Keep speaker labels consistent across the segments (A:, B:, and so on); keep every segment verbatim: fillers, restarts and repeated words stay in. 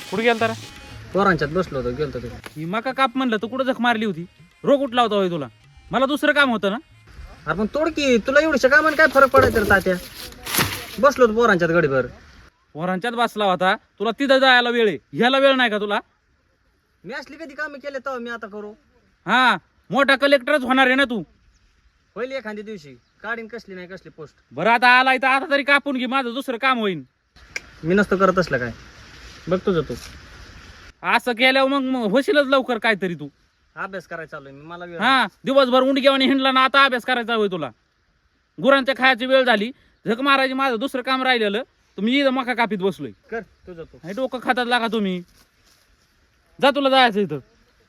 A: कुठे गेलता रे?
B: पोरांच्यात बसलो होतो गेलतो तिकडे.
A: ही मका काप म्हणलं तर कुठं जख मारली होती? रोग उठला होता होय तुला? मला दुसरं काम होतं ना.
B: अरे पण तोडकी तुला एवढ्या कामाने काय फरक पडायचा रे तात्या? बसलो होतो पोरांच्यात गडीभर.
A: पोरांच्यात बसला होता, तुला तिथं जायला वेळ आहे, ह्याला वेळ नाही का तुला?
B: मी असली कधी कामे केले तेव्हा मी आता करू
A: हा, मोठा कलेक्टरच होणार आहे ना तू.
B: होईल एखाद्या दिवशी. काढीन कसली नाही कसली पोस्ट.
A: बरं आता आलाय तर आता तरी कापून घे, माझं दुसरं काम होईल.
B: मी नसतो करत असलं काय. बघ तुझं तू.
A: असं केल्यावर मग मग होशीलच लवकर काहीतरी तू.
B: अभ्यास करायचा चालू मी मला वेळ
A: हा, दिवसभर उंडग्यावाने हिंडला ना, आता अभ्यास करायचा होय तुला? गुरांच्या खायची वेळ झाली, झक मारायची, माझं दुसरं काम राहिलेलं, तुम्ही इथं मका कापीत बसलोय.
B: कर तुझं तू.
A: हे डोकं खातात लागा तुम्ही. जा, तुला जायचं इथं.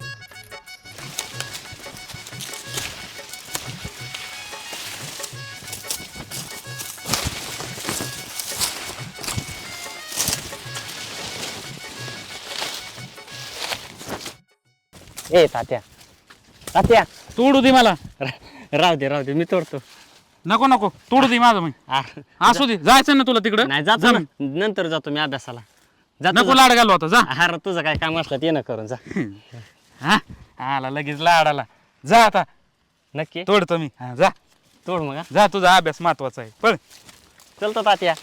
C: ए तात्या तात्या
A: तोडू दे मला.
C: राहू दे राहू दे मी तोडतो.
A: नको नको, तोडू दे माझं. मग
C: आ,
A: असू दे, जायचं ना तुला तिकडं.
C: नाही जातो
A: जा
C: ना,
A: मग.
C: नंतर जातो मी अभ्यासाला. जातो
A: नको लाड घालू आता, जा.
C: अरे तुझं काय काम असलं ते ना करून जा.
A: हा, आला लगेच लाडाला. जा आता,
C: नक्की
A: तोडतो मी. हा, जा
C: तोड मग हा.
A: जा, तुझा अभ्यास महत्वाचा आहे. पळ.
C: चलतो तात्या.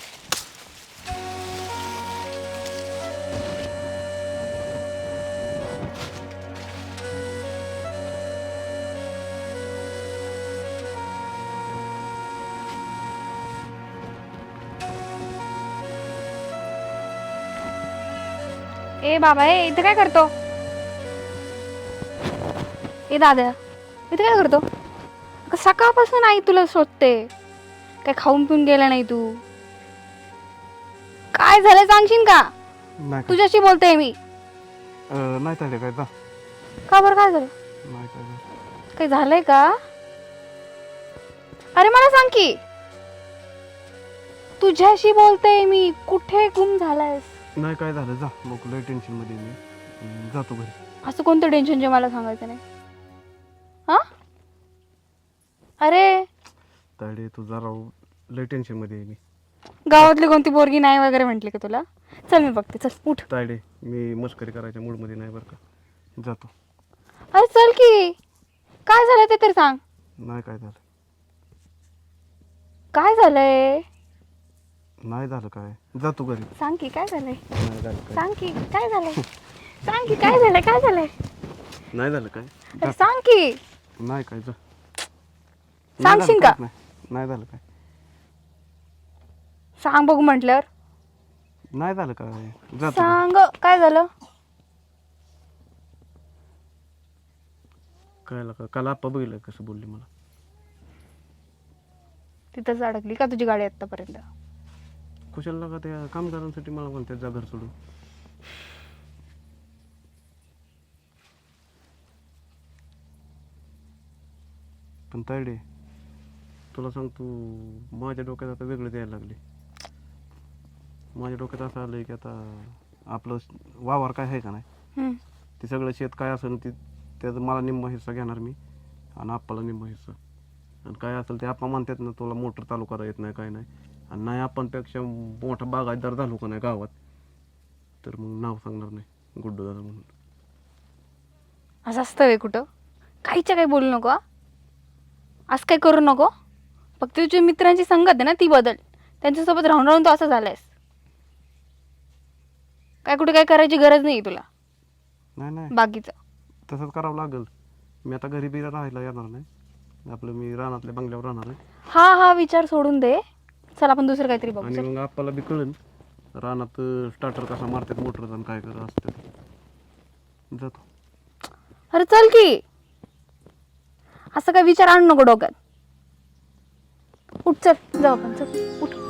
D: ए बाबा, ए इथं काय करतो? ए दादा, इथं काय करतो? अगं, सकाळपासून आई तुला शोधते. काय खाऊन पिऊन गेला नाही तू? काय झालं सांगशील का?
E: नाही काय
D: तुझ्याशी बोलते मी.
E: अं, नाही चालले काय जा
D: का बरं, काय झालं?
E: नाही काय झालं.
D: काही झालंय का? अरे मला सांग की. तुझ्याशी बोलते मी. कुठे गुम झालायस?
E: नाही काय झालं जा मग लय टेन्शन मध्ये मी अं, जातो घरी.
D: असं कोणतं टेन्शन जे मला सांगायचं नाही? हा, अरे
E: तायडे तुझा राव लय टेन्शन मध्ये आहे मी.
D: गावातली कोणती पोरगी नाही वगैरे म्हटली का तुला? चल मी बघते, चल उठ.
E: तायडे मी मस्करी करायच्या मूड मध्ये नाही बरं का. जातो.
D: अरे चल की. काय झालं ते तर सांग.
E: नाही काय झालं.
D: काय झालंय
E: नाही झालं काय. जातो घरी.
D: सांग की, काय झालंय?
E: नाही झालं काय.
D: सांग की काय झालंय? सांग की काय झालंय? काय झालंय?
E: नाही झालं काय.
D: अरे सांग की.
E: नाही काय जा.
D: सांगशील का?
E: नाही नाही झालं काय.
D: सांग बघू म्हटल्यावर.
E: नाही झालं काय. जातो घरी.
D: सांग काय झालं?
E: कळलं का. काल आप्पा बघितलं कसं बोलली मला.
D: तिथंच अडकली का तुझी गाडी आतापर्यंत?
E: कुशाला का त्या कामगारांसाठी मला म्हणतात जा घर सोडून. पण तायडे तुला सांग तू माझ्या डोक्यात आता वेगळं द्यायला लागले. माझ्या डोक्यात असं आलंय की आता आपलं वावर काय आहे का नाही
D: हम्म.
E: ते सगळं शेत काय असेल ते त्याचं मला निम्मा हिस्सा घेणार मी आणि आप्पाला निम्मा हिस्सा. आणि काय असेल ते आप्पा म्हणतात ना तुला मोटर चालू करा येत नाही काय नाही आणि नाही आपणपेक्षा मोठा बागायतदार झालो का नाही गावात तर मग नाव सांगणार नाही गुड्डू दादा म्हणून.
D: असं असतं वे कुठं? काहीच्या काही बोलू नको. हा? असं काही करू नको. फक्त तुझ्या मित्रांची संगत आहे ना ती बदल. त्यांच्यासोबत राहून राहून तू असं झालायस. काय कुठे काय करायची गरज नाही तुला
E: नाही नाही
D: बाकीचं.
E: तसंच करावं लागेल. मी आता घरी बिरा राहायला येणार नाही. आपलं मी रानातल्या बंगल्यावर राहणार आहे.
D: हा हा विचार सोडून दे. चल आपण दुसरं काहीतरी बघू.
E: आणि
D: चल.
E: मग आप्पाला बी कळेल रानात स्टार्टर कसा मारतात मोटर आणि काय करत असतात. जातो.
D: अरे चल की. असं काय विचार आणू नको डोक्यात. उठ चल जाऊ आपण. चल उठ.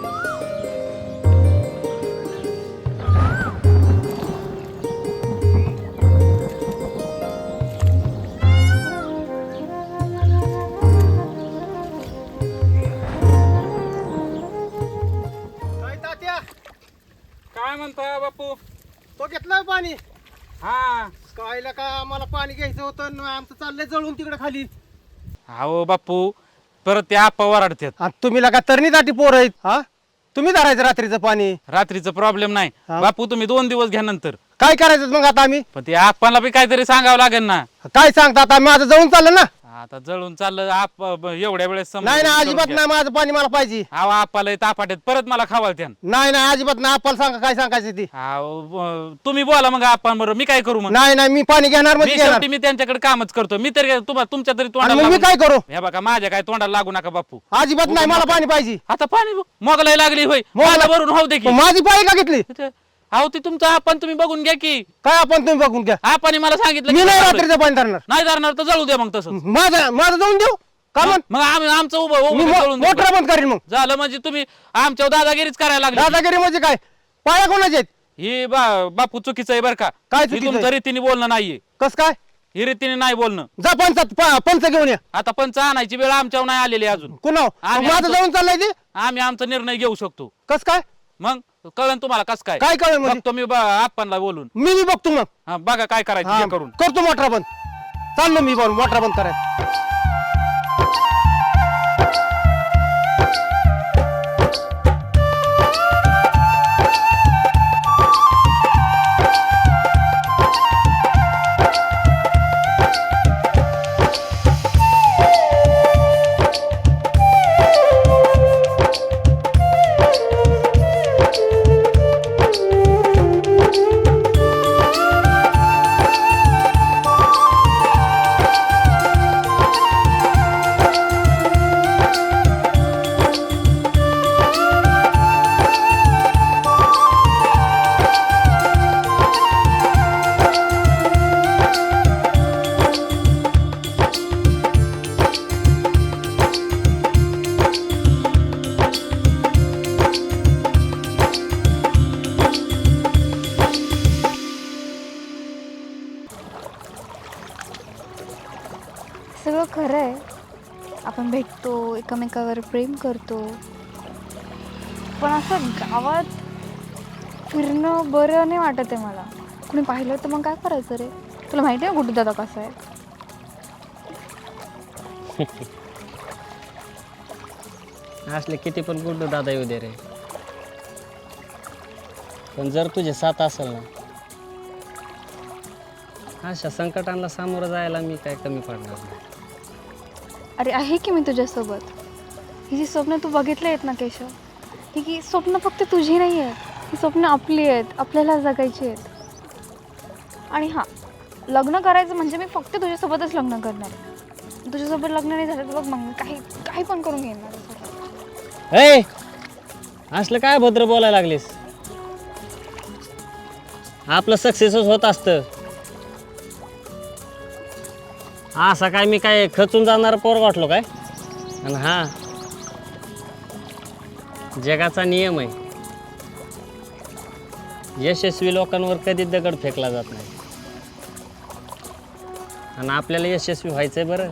B: काय तात्या
A: काय म्हणता बापू?
B: तो घेतलाय पाणी.
A: हा,
B: कायला का आम्हाला पाणी घ्यायचं होतं आणि आमचं चाललंय जळून तिकडे खाली.
A: हो बापू, परत ते आप्पा वराडतात.
B: तुम्ही लगा तरणीसाठी पोर आहेत. हा, तुम्ही धरायचं रात्रीचं पाणी.
A: रात्रीचं प्रॉब्लेम नाही
B: हा.
A: बापू, तुम्ही दोन दिवस घ्या, नंतर
F: काय करायचं मग आता आम्ही
A: पण ते आपल्याला बी काहीतरी सांगावं लागेल ना.
F: काय सांगता आता माझं जळून चाललं ना
A: आता जळून चाललं आप एवढ्या वेळेस समजून
F: नाही ना
A: करून
F: अजिबात
A: घ्या.
F: नाही माझं पाणी मला पाहिजे
A: अहो आपाला तापाट्यात परत मला खावाल त्यान.
F: नाही नाही अजिबात नाही आपल्याला सांगा काय सांगायचं ती
A: अहो, ब- तुम्ही बोला मग आपण बरोबर मी काय करू मग.
F: नाही नाही मी पाणी घेणार
A: मी
F: म्हणजे घेणार
A: शेवटी मी त्यांच्याकडे कामच करतो. मी तरी तुम्हाला तुमच्या तरी
F: आणि
A: तोंडाला
F: मग मी
A: लागून-
F: काय करू
A: हे बघा माझ्या काय तोंडाला लागू नका बापू.
F: अजिबात नाही मला पाणी पाहिजे
A: आता पाणी मोगलाई लागली होय
F: मोगलाई-
A: मला भरून होऊ दे की.
F: मग माझी पाळी का घेतली
A: इथे- अहो ती तुमचं आपण तुम्ही बघून घ्या की.
F: काय आपण तुम्ही बघून घ्या
A: आपण मला सांगितलं
F: मी
A: की
F: नाही
A: चाललोय.
F: रात्रीचं पाणी धरणार
A: नाही धरणार तर जळू द्या मग तसं.
F: माझं माझं जाऊन देऊ का मग
A: मग आम्ही आमचं उभं
F: मी
A: उभं जळून देऊ.
F: मोटर बंद करीन मग
A: झालं म्हणजे तुम्ही आमच्या दादागिरीच करायला लागले.
F: दादागिरी म्हणजे काय पाया कोणाचे आहेत
A: ही बा- बापू चुकीचं आहे बरं का.
F: काय
A: ही
F: चुकीचं
A: तुमचं
F: आहे?
A: रीतीने बोलणं नाहीये.
F: कस काय
A: ही रीतीने नाही बोलणं.
F: जा पंचात प- पंच घेऊन या
A: आता पंच आणायची वेळ आमच्यावर नाही आलेली अजून.
F: कुणाव
A: आम्ही
F: माझं
A: आमचं-
F: जाऊन चाललंय ते
A: आम्ही आमचा निर्णय घेऊ शकतो.
F: कस काय
A: मग कळन तुम्हाला कस काय.
F: काय कळेल म्हणजे
A: बघतो मी आपणला बोलून.
F: मी बी बघतो मग
A: हा, बघा काय करायचं
F: हा,
A: ते करून.
F: करतो मोटर बंद चाललो मी बघ मोटर बंद करायचं
D: सगळं खरं आहे. आपण भेटतो एकमेकावर प्रेम करतो पण असं गावात फिरणं बरं नाही वाटत आहे मला. कुणी पाहिलं तर मग काय करायचं रे. तुला माहिती आहे गुड्डू दादा कसा आहे.
C: असले किती पण गुड्डू दादा येऊ दे रे, पण जर तुझे साथ असेल ना अशा संकटांना सामोरं जायला मी काय कमी पडणार नाही.
D: अरे आहे की मी तुझ्यासोबत. ही जी स्वप्न तू बघितली आहेत ना केशव, ही की स्वप्न फक्त तुझी नाही आहेत. ही स्वप्न आपली आहेत, आपल्याला जगायची आहेत. आणि हां, लग्न करायचं म्हणजे मी फक्त तुझ्यासोबतच लग्न करणार आहे. तुझ्यासोबत लग्न नाही झालं तर बघ मग मी काही काही पण करून घेणार.
C: ए असलं काय भद्र बोलायला लागलीस. आपलं सक्सेसच होत असतं. असा काय मी काय खचून जाणार पोर वाटलो काय. आणि हा जगाचा नियम आहे, यशस्वी लोकांवर कधीच दगड फेकला जात नाही. आणि आपल्याला यशस्वी व्हायचंय बरं.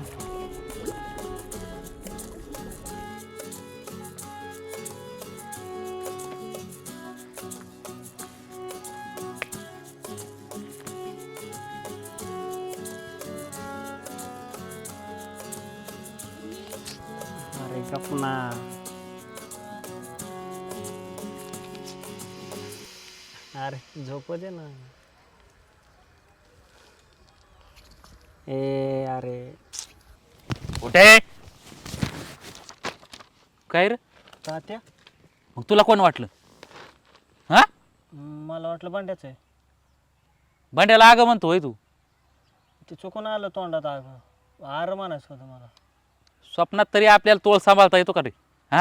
C: अरे गपना. अरे झोप दे ना. ए अरे
A: कुठे काय रे.
C: तात्या,
A: मग तुला कोण वाटलं. हा
C: मला वाटलं भांड्याचं आहे.
A: भांड्याला आग म्हणतो होय तू.
C: ते चुकून आलं तोंडात आग. आर म्हणायचं होतं मला.
A: स्वप्नात तरी आपल्याला तोळ सांभाळता येतो का रे. हा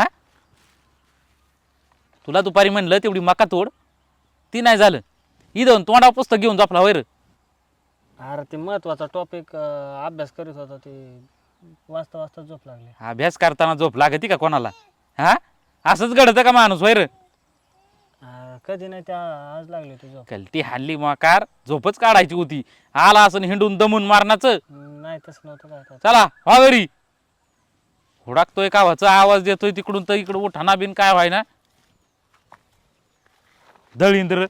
A: तुला दुपारी म्हणलं तेवढी मका तोड, ती नाही झालं. इथं तोंडावर पुस्तक घेऊन झोपला होय रे.
C: अरे ते महत्वाचा टॉपिक अभ्यास करीत होता, ते वाचता वाचता झोप लागली.
A: अभ्यास करताना झोप लागती का कोणाला. हा असंच घडतं का माणूस होय रे.
C: अरे कधी नाही, त्या आज लागली होती झोप.
A: कलटी हल्ली मकार झोपच काढायची होती. आला असं हिंडून दमून मारण्याचं.
C: नाही तसं नव्हतं काय आता.
A: चला वा घरी. हुडाकतोय कावाचा आवाज देतोय तिकडून तर इकडं उठाना बिन काय व्हाय ना. दळींद्र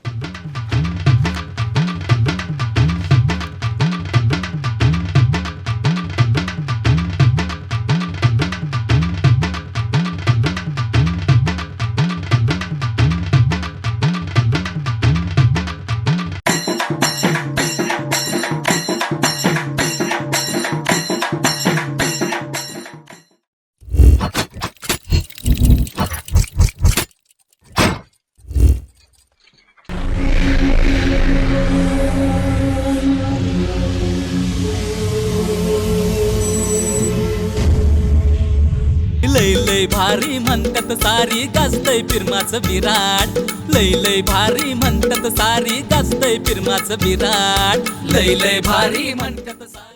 G: भारी म्हणतात सारी गाजतय फिरमाचं विराट लय लय भारी म्हणतात सारी गाजतय फिरमाचं विराट लय लय भारी म्हणतात सारी